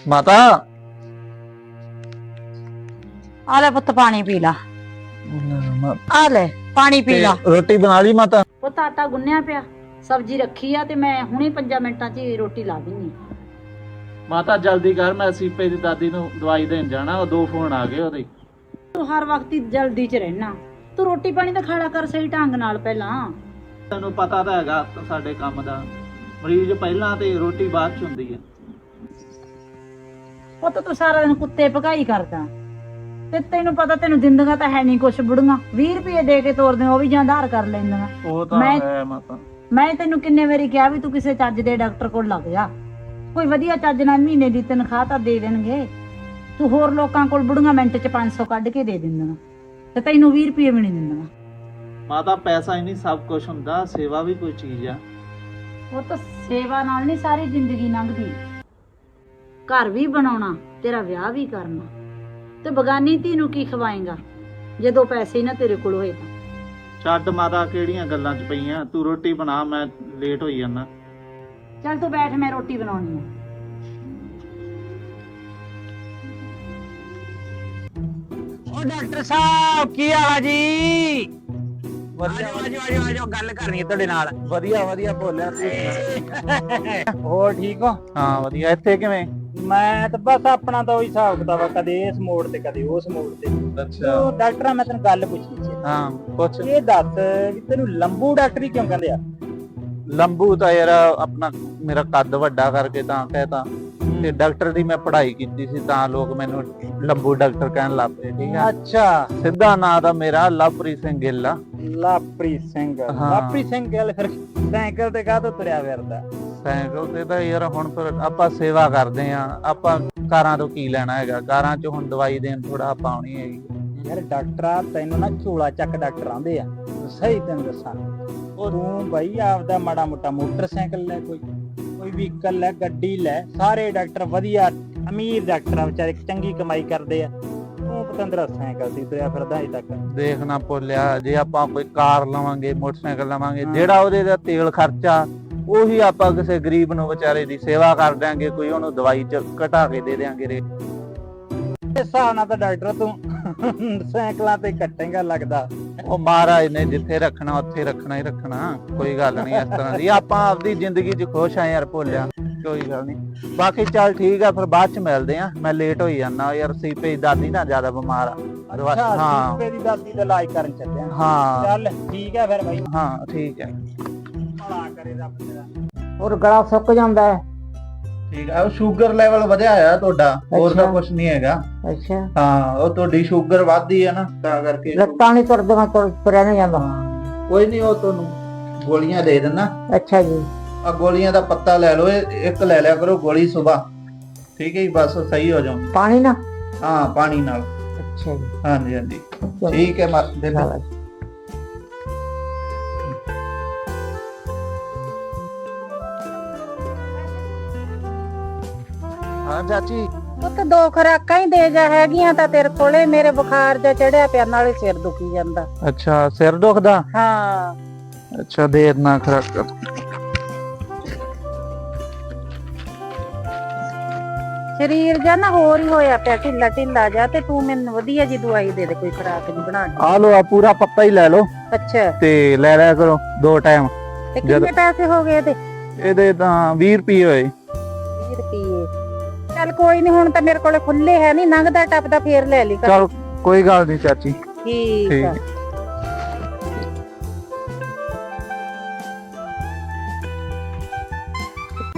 ਮਾਤਾ ਆ ਲੈ ਪੁੱਤ ਪਾਣੀ ਪੀ ਲਾ। ਆ ਲੈ ਪਾਣੀ ਪੀ ਲਾ। ਰੋਟੀ ਬਣਾ ਲਈ ਮਾਤਾ? ਪੁੱਤ ਆਟਾ ਗੁੰਨਿਆ ਪਿਆ, ਸਬਜ਼ੀ ਰੱਖੀ ਆ ਤੇ ਮੈਂ ਹੁਣੇ 5 ਮਿੰਟਾਂ 'ਚ ਹੀ ਰੋਟੀ ਲਾ ਦਿੰਨੀ। ਮਾਤਾ ਜਲਦੀ ਕਰ, ਮੈਂ ਸੀਪੇ ਦੀ ਦਾਦੀ ਨੂੰ ਦਵਾਈ ਦੇਣ ਜਾਣਾ। ਉਹ 2 ਫੋਨ ਆ ਗਏ ਉਹਦੇ। ਤੂੰ ਹਰ ਵਕਤ ਹੀ ਜਲਦੀ 'ਚ ਰਹਿਣਾ। ਤੂੰ ਰੋਟੀ ਪਾਣੀ ਤਾਂ ਖਾਲਾ ਕਰ ਸਹੀ ਢੰਗ ਨਾਲ ਪਹਿਲਾਂ। ਤੈਨੂੰ ਪਤਾ ਤਾਂ ਹੈਗਾ ਸਾਡੇ ਕੰਮ ਦਾ, ਮਰੀਜ਼ ਪਹਿਲਾਂ ਤੇ ਰੋਟੀ ਬਾਅਦ 'ਚ ਹੁੰਦੀ ਹੈ। ਪੁੱਤ ਤੂੰ ਸਾਰਾ ਦਿਨ ਕੁੱਤੇ ਭਗਾਈ ਕਰਦਾ ਤੇ ਤੈਨੂੰ ਪਤਾ ਤੈਨੂੰ ਦਿੰਦੀਆਂ ਤਾਂ ਹੈ ਨਹੀਂ ਕੁਛ ਬੁੜੀਆਂ। 20 ਰੁਪਏ ਦੇ ਕੇ ਤੋਰਦੇ ਉਹ ਵੀ ਜਾਂ ਆਧਾਰ ਕਰ ਲੈਂਦੀਆਂ। ਉਹ ਤਾਂ ਹੈ ਮਾਤਾ। ਮੈਂ ਤੈਨੂੰ ਕਿੰਨੇ ਵਾਰੀ ਕਿਹਾ ਵੀ ਤੂੰ ਕਿਸੇ ਚੱਜ ਦੇ ਡਾਕਟਰ ਕੋਲ ਲੱਗ ਜਾ, ਕੋਈ ਵਧੀਆ ਚੱਜ ਨਾਲ ਮਹੀਨੇ ਦੀ ਤਨਖਾਹ ਤਾਂ ਦੇ ਦੇਣਗੇ। ਤੂੰ ਹੋਰ ਲੋਕਾਂ ਕੋਲ ਬੁੜੀਆਂ ਮਿੰਟ 'ਚ 500 ਕੱਢ ਕੇ ਦੇ ਦਿੰਦੀਆਂ ਤੇ ਤੈਨੂੰ 20 ਰੁਪਏ ਵੀ ਨਹੀਂ ਦਿੰਦੀਆਂ। ਮਾਤਾ ਪੈਸਾ ਹੀ ਨਹੀਂ ਸਭ ਕੁਝ ਹੁੰਦਾ, ਸੇਵਾ ਵੀ ਕੋਈ ਚੀਜ਼ ਆ। ਉਹ ਤਾਂ ਸੇਵਾ ਨਾਲ ਨਹੀਂ ਸਾਰੀ ਜ਼ਿੰਦਗੀ ਲੰਘਦੀ। ਘਰ ਵੀ ਬਣਾਉਣਾ, ਤੇਰਾ ਵਿਆਹ ਵੀ ਕਰਨਾ, ਤੇ ਬਗਾਨੀ ਧੀ ਨੂੰ ਕੀ ਖਵਾਏਗਾ ਜਦੋਂ ਪੈਸੇ ਹੀ ਨਾ ਤੇਰੇ ਕੋਲ ਹੋਏ ਤਾਂ। ਛੱਡ ਮਾਤਾ, ਕਿਹੜੀਆਂ ਗੱਲਾਂ 'ਚ ਪਈਆਂ। ਤੂੰ ਰੋਟੀ ਬਣਾ, ਮੈਂ ਲੇਟ ਹੋਈ ਜਾਂਦਾ। ਚੱਲ ਤੂੰ ਬੈਠ, ਮੈਂ ਰੋਟੀ ਬਣਾਉਣੀ ਆ। ਉਹ ਡਾਕਟਰ ਸਾਹਿਬ ਕੀ ਹਾਲ ਆ ਜੀ? ਵਧੀਆ ਆਜੋ ਗੱਲ ਕਰਨੀ ਹੈ ਤੁਹਾਡੇ ਨਾਲ। ਵਧੀਆ ਵਧੀਆ ਬੋਲਿਆ ਤੂੰ। ਹੋਰ ਠੀਕ ਹੋ? ਹਾਂ ਵਧੀਆ। ਇੱਥੇ ਕਿਵੇਂ? ਮੈਂ ਤਾਂ ਬਸ ਆਪਣਾ ਤਾਂ ਉਹੀ ਹਿਸਾਬ ਕਿਤਾਬ ਆ, ਕਦੇ ਇਸ ਮੋੜ ਤੇ ਕਦੇ ਉਸ ਮੋੜ ਤੇ। ਅੱਛਾ। ਉਹ ਡਾਕਟਰ ਮੈਂ ਤੈਨੂੰ ਗੱਲ ਪੁੱਛਣੀ ਸੀ। ਹਾਂ ਪੁੱਛ। ਇਹ ਦੱਸ ਵੀ ਤੈਨੂੰ ਲੰਬੂ ਡਾਕਟਰੀ ਕਿਉਂ ਕਹਿੰਦੇ ਆ? ਲੰਬੂ ਤਾਂ ਯਾਰ ਆਪਣਾ ਮੇਰਾ ਕੱਦ ਵੱਡਾ ਕਰਕੇ ਤਾਂ ਕਹਿਤਾ, ਤੇ ਡਾਕਟਰ ਦੀ ਮੈਂ ਪੜ੍ਹਾਈ ਕੀਤੀ ਸੀ ਤਾਂ ਲੋਕ ਮੈਨੂੰ ਲੰਬੂ ਡਾਕਟਰ ਕਹਿਣ ਲੱਗ ਪਏ। ਠੀਕ ਆ। ਅੱਛਾ। ਸਿੱਧਾ ਨਾਂ ਤਾਂ ਮੇਰਾ ਲਵਪ੍ਰੀਤ ਸਿੰਘ ਗਿੱਲ ਆ। ਲਵਪ੍ਰੀਤ ਸਿੰਘ। ਹਾਂ। ਲਵਪ੍ਰੀਤ ਸਿੰਘ ਗੱਲ ਫਿਰ ਸਾਈਕਲ ਤੇ ਕਾਹਤੋਂ ਤੁਰਿਆ ਫਿਰਦਾ? ਸਾਈਕਲ ਤੇ ਤਾਂ ਯਾਰ ਹੁਣ ਫਿਰ ਆਪਾਂ ਸੇਵਾ ਕਰਦੇ ਆ, ਆਪਾਂ ਕਾਰਾਂ ਤੋਂ ਕੀ ਲੈਣਾ ਹੈਗਾ। ਕਾਰਾਂ 'ਚ ਹੁਣ ਦਵਾਈ ਦੇਣ ਥੋੜਾ ਆਪਾਂ ਆਉਣੀ ਹੈਗੀ। ਯਾਰ ਡਾਕਟਰਾ ਤੈਨੂੰ ਨਾ ਝੋਲਾ ਚੱਕ ਡਾਕਟਰ ਆਂਦੇ ਆ, ਸਹੀ ਤੈਨੂੰ ਦੱਸਾਂ। ਉਹ ਤੂੰ ਬਾਈ ਆਪਦਾ ਮਾੜਾ ਮੋਟਾ ਮੋਟਰਸਾਈਕਲ ਲੈ, ਕੋਈ ਵਹੀਕਲ ਲੈ, ਗੱਡੀ ਲੈ। ਸਾਰੇ ਡਾਕਟਰ ਵਧੀਆ ਅਮੀਰ ਡਾਕਟਰ ਆ, ਵਿਚਾਰੇ ਚੰਗੀ ਕਮਾਈ ਕਰਦੇ ਆ। ਤੂੰ ਪਤੰਦਰਾ ਸਾਈਕਲ ਤੇ ਤੁਰਿਆ ਫਿਰਦਾ ਅਜੇ ਤੱਕ। ਦੇਖਣਾ ਭੁੱਲਿਆ, ਜੇ ਆਪਾਂ ਕੋਈ ਕਾਰ ਲਵਾਂਗੇ, ਮੋਟਰਸਾਈਕਲ ਲਵਾਂਗੇ, ਜਿਹੜਾ ਉਹਦੇ ਦਾ ਤੇਲ ਖਰਚਾ ਉਹੀ ਆਪਾਂ ਕਿਸੇ ਗਰੀਬ ਨੂੰ ਵਿਚਾਰੇ ਦੀ ਸੇਵਾ ਕਰ ਦਿਆਂਗੇ, ਕੋਈ ਉਹਨੂੰ ਦਵਾਈ ਚ ਘਟਾ ਕੇ ਦੇ ਦਿਆਂਗੇ ਰੇਟ। ਇਸ ਹਿਸਾਬ ਨਾਲ ਤਾਂ ਡਾਕਟਰ ਤੂੰ ਸਾਈਕਲਾਂ ਤੇ ਕੱਟੇਗਾ ਲੱਗਦਾ। ਉਹ ਮਹਾਰਾਜ ਨੇ ਜਿੱਥੇ ਰੱਖਣਾ ਉੱਥੇ ਰੱਖਣਾ ਹੀ ਰੱਖਣਾ, ਕੋਈ ਗੱਲ ਨਹੀਂ ਇਸ ਤਰ੍ਹਾਂ ਦੀ। ਆਪਾਂ ਆਪਦੀ ਜ਼ਿੰਦਗੀ 'ਚ ਖੁਸ਼ ਆ ਯਾਰ ਭੁੱਲਿਆ, ਕੋਈ ਗੱਲ ਨਹੀਂ। ਬਾਕੀ ਚੱਲ ਠੀਕ ਆ, ਫਿਰ ਬਾਅਦ 'ਚ ਮਿਲਦੇ ਆ। ਮੈਂ ਲੇਟ ਹੋਈ ਜਾਂਦਾ ਯਾਰ, ਸੀਪੇ ਦੀ ਦਾਦੀ ਨਾ ਜ਼ਿਆਦਾ ਬਿਮਾਰ ਆ। ਹਾਂ, ਸੀਪੇ ਦੀ ਦਾਦੀ ਦਾ ਇਲਾਜ ਕਰਨ ਚੱਲਿਆ। ਹਾਂ ਚੱਲ ਠੀਕ ਆ ਫਿਰ ਬਾਈ। ਹਾਂ ਠੀਕ ਹੈ। ਭਲਾ ਕਰੇ ਰੱਬ ਤੇਰਾ। ਹੋਰ ਗਲਾ ਸੁੱਕ ਜਾਂਦਾ ਹੈ। ਠੀਕ ਆ। ਉਹ ਸ਼ੂਗਰ ਲੈਵਲ ਵਧਿਆ ਆ ਤੁਹਾਡਾ, ਹੋਰ ਤਾਂ ਕੁਝ ਨਹੀਂ ਹੈਗਾ। ਅੱਛਾ। ਹਾਂ, ਉਹ ਤੁਹਾਡੀ ਸ਼ੂਗਰ ਵੱਧਦੀ ਹੈ ਨਾ, ਤਾਂ ਕਰਕੇ। ਲੱਤਾਂ ਨਹੀਂ ਤੁਰਦੀਆਂ, ਤੁਰਿਆ ਨਹੀਂ ਜਾਂਦਾ। ਕੋਈ ਨਹੀਂ, ਉਹ ਤੁਹਾਨੂੰ ਗੋਲੀਆਂ ਦੇ ਦਿੰਦਾ। ਅੱਛਾ ਜੀ। ਆ ਗੋਲੀਆਂ ਦਾ ਪੱਤਾ ਲੈ ਲਓ, ਇੱਕ ਲੈ ਲਿਆ ਕਰੋ ਗੋਲੀ ਸੁਬਾ। ਠੀਕ ਹੈ ਜੀ, ਬਸ ਸਹੀ ਹੋ ਜਾਓ। ਪਾਣੀ ਨਾ? ਹਾਂ ਪਾਣੀ ਨਾਲ। ਅੱਛਾ ਜੀ। ਹਾਂਜੀ ਹਾਂਜੀ ਠੀਕ ਹੈ। ਹਾਂ ਚਾਚੀ। ਉਹ ਤਾਂ 2 ਖੁਰਾਕਾਂ ਹੀ ਦੇ ਜਾ ਹੈਗੀਆਂ ਤਾਂ ਤੇਰੇ ਕੋਲੇ। ਮੇਰੇ ਬੁਖਾਰ ਜਿਹਾ ਚੜਿਆ ਪਿਆ, ਨਾਲੇ ਸਿਰ ਦੁਖੀ ਜਾਂਦਾ। ਅੱਛਾ, ਸਿਰ ਦੁਖਦਾ? ਹਾਂ। ਅੱਛਾ, ਦੇ ਦੇਣਾ ਖੁਰਾਕ। ਸਰੀਰ ਜਾਂ ਨਾ ਹੋਰ ਹੀ ਹੋਇਆ ਪਿਆ, ਢਿੱਲਾ ਢਿੱਲਾ ਜਾ। ਤੇ ਤੂੰ ਮੈਨੂੰ ਵਧੀਆ ਜੀ ਦਵਾਈ ਦੇ ਦੇ, ਕੋਈ ਖੁਰਾਕ ਨਹੀਂ ਬਣਾ ਕੇ। ਆ ਲੋ, ਆ ਪੂਰਾ ਪੱਤਾ ਹੀ ਲੈ ਲਓ। ਅੱਛਾ। ਤੇ ਲੈ ਲਿਆ ਕਰੋ 2 ਟਾਈਮ। ਤੇ ਕਿੰਨੇ ਪੈਸੇ ਹੋ ਗਏ ਇਹਦੇ? ਇਹਦੇ ਤਾਂ 20 ਰੁਪਏ ਹੋਏ। 20 ਰੁਪਏ? ਚੱਲ ਕੋਈ ਨਹੀਂ, ਹੁਣ ਤਾਂ ਮੇਰੇ ਕੋਲੇ ਖੁੱਲੇ ਹੈ ਨਹੀਂ, ਲੰਘਦਾ ਟੱਪਦਾ ਫੇਰ ਲੈ ਲਈ। ਚਲ ਕੋਈ ਗੱਲ ਨਹੀਂ ਚਾਚੀ। ਠੀਕ ਆ।